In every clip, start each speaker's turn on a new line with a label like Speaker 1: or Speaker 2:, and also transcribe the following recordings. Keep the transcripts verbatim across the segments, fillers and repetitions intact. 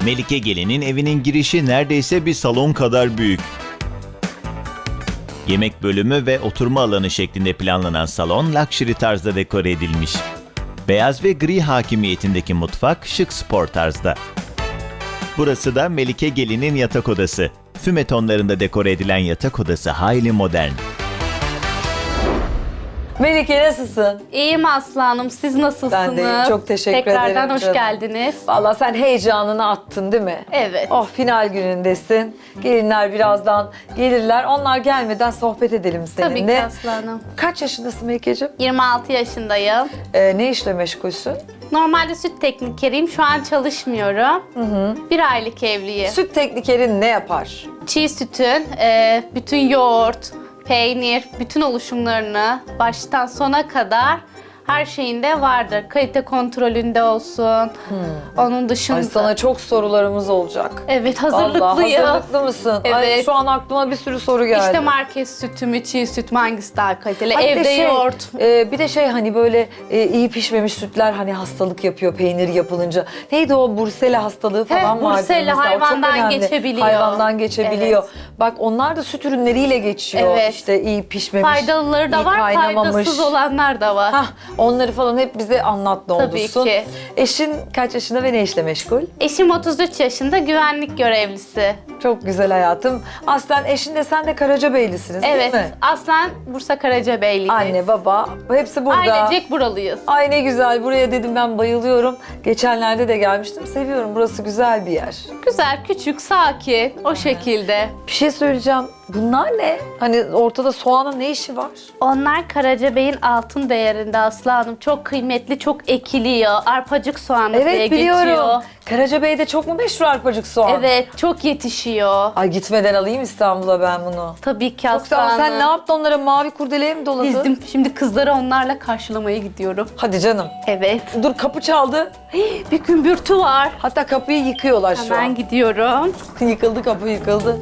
Speaker 1: Melike Gelin'in evinin girişi neredeyse bir salon kadar büyük. Yemek bölümü ve oturma alanı şeklinde planlanan salon luxury tarzda dekore edilmiş. Beyaz ve gri hakimiyetindeki mutfak şık spor tarzda. Burası da Melike Gelin'in yatak odası. Füme tonlarında dekore edilen yatak odası hayli modern.
Speaker 2: Melike nasılsın?
Speaker 3: İyiyim Aslı Hanım. Siz nasılsınız?
Speaker 2: Ben de iyiyim, çok teşekkür
Speaker 3: Tekrardan
Speaker 2: ederim
Speaker 3: hoş
Speaker 2: canım.
Speaker 3: geldiniz.
Speaker 2: Vallahi sen heyecanını attın değil mi?
Speaker 3: Evet.
Speaker 2: Oh, final günündesin. Gelinler birazdan gelirler. Onlar gelmeden sohbet edelim seninle.
Speaker 3: Tabii ki Aslı Hanım.
Speaker 2: Kaç yaşındasın Melike'ciğim?
Speaker 3: yirmi altı yaşındayım.
Speaker 2: Ee, ne işle meşgulsün?
Speaker 3: Normalde süt teknikeriyim. Şu an çalışmıyorum. Bir aylık evliyim.
Speaker 2: Süt teknikerin ne yapar?
Speaker 3: Çiğ sütün e, bütün yoğurt, peynir, bütün oluşumlarını baştan sona kadar her şeyinde vardır. Kalite kontrolünde olsun. Onun dışında...
Speaker 2: Ay, sana çok sorularımız olacak.
Speaker 3: Evet,
Speaker 2: Vallahi
Speaker 3: hazırlıklıyım.
Speaker 2: hazırlıklı mısın? Ay,
Speaker 3: Evet.
Speaker 2: şu an aklıma bir sürü soru geldi.
Speaker 3: İşte market sütü mü, çiğ süt mü, hangisi daha kaliteli?
Speaker 2: Ha, bir de
Speaker 3: Evde
Speaker 2: şey,
Speaker 3: yoğurt.
Speaker 2: e, bir de şey hani böyle e, iyi pişmemiş sütler hani hastalık yapıyor peynir yapılınca. Neydi o Bursela hastalığı falan
Speaker 3: He,
Speaker 2: vardı.
Speaker 3: Bursela,
Speaker 2: mesela. O çok
Speaker 3: hayvandan
Speaker 2: önemli.
Speaker 3: geçebiliyor.
Speaker 2: Hayvandan geçebiliyor.
Speaker 3: Evet.
Speaker 2: Bak onlar da süt ürünleriyle geçiyor.
Speaker 3: Evet.
Speaker 2: İşte iyi pişmemiş,
Speaker 3: Faydalıları da
Speaker 2: iyi
Speaker 3: var,
Speaker 2: kaynamamış.
Speaker 3: faydasız olanlar da var.
Speaker 2: Hah, onları falan hep bize anlat ne
Speaker 3: Tabii
Speaker 2: olursun.
Speaker 3: ki.
Speaker 2: Eşin kaç yaşında ve ne işle meşgul?
Speaker 3: Eşim otuz üç yaşında, güvenlik görevlisi.
Speaker 2: Çok güzel hayatım. Aslen eşin de sen de Karacabeylisiniz
Speaker 3: Evet,
Speaker 2: değil mi?
Speaker 3: aslen Bursa Karacabeyliyiz.
Speaker 2: Anne, baba hepsi burada.
Speaker 3: Ailecek buralıyız.
Speaker 2: Ay ne güzel, buraya dedim ben bayılıyorum. Geçenlerde de gelmiştim, seviyorum, burası güzel bir yer.
Speaker 3: Güzel, küçük, sakin, o şekilde.
Speaker 2: Bir şey söyleyeceğim, bunlar ne? Hani ortada soğanın ne işi var?
Speaker 3: Onlar Karacabey'in altın değerinde Aslı Hanım. Çok kıymetli, çok ekiliyor. Arpacık soğanı diye
Speaker 2: Evet biliyorum.
Speaker 3: geçiyor.
Speaker 2: Karacabey'de çok mu meşhur arpacık soğan?
Speaker 3: Evet, çok yetişiyor.
Speaker 2: Ay gitmeden alayım İstanbul'a ben bunu.
Speaker 3: Tabii ki
Speaker 2: Çok
Speaker 3: Aslı
Speaker 2: sağ ol. Sen
Speaker 3: Hanım.
Speaker 2: ne yaptın onlara, mavi kurdeleye mi doladın?
Speaker 3: Dizdim. Şimdi kızları onlarla karşılamaya gidiyorum.
Speaker 2: Hadi canım.
Speaker 3: Evet.
Speaker 2: Dur, kapı çaldı.
Speaker 3: Bir gümbürtü var.
Speaker 2: Hatta kapıyı yıkıyorlar şu
Speaker 3: Hemen
Speaker 2: an.
Speaker 3: gidiyorum.
Speaker 2: Yıkıldı, kapı yıkıldı.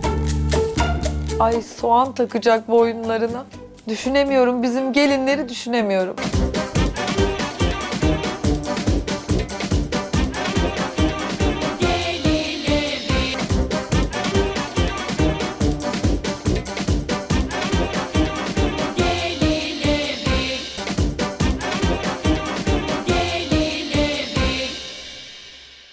Speaker 2: Ay, soğan takacak boyunlarına. Düşünemiyorum, bizim gelinleri düşünemiyorum.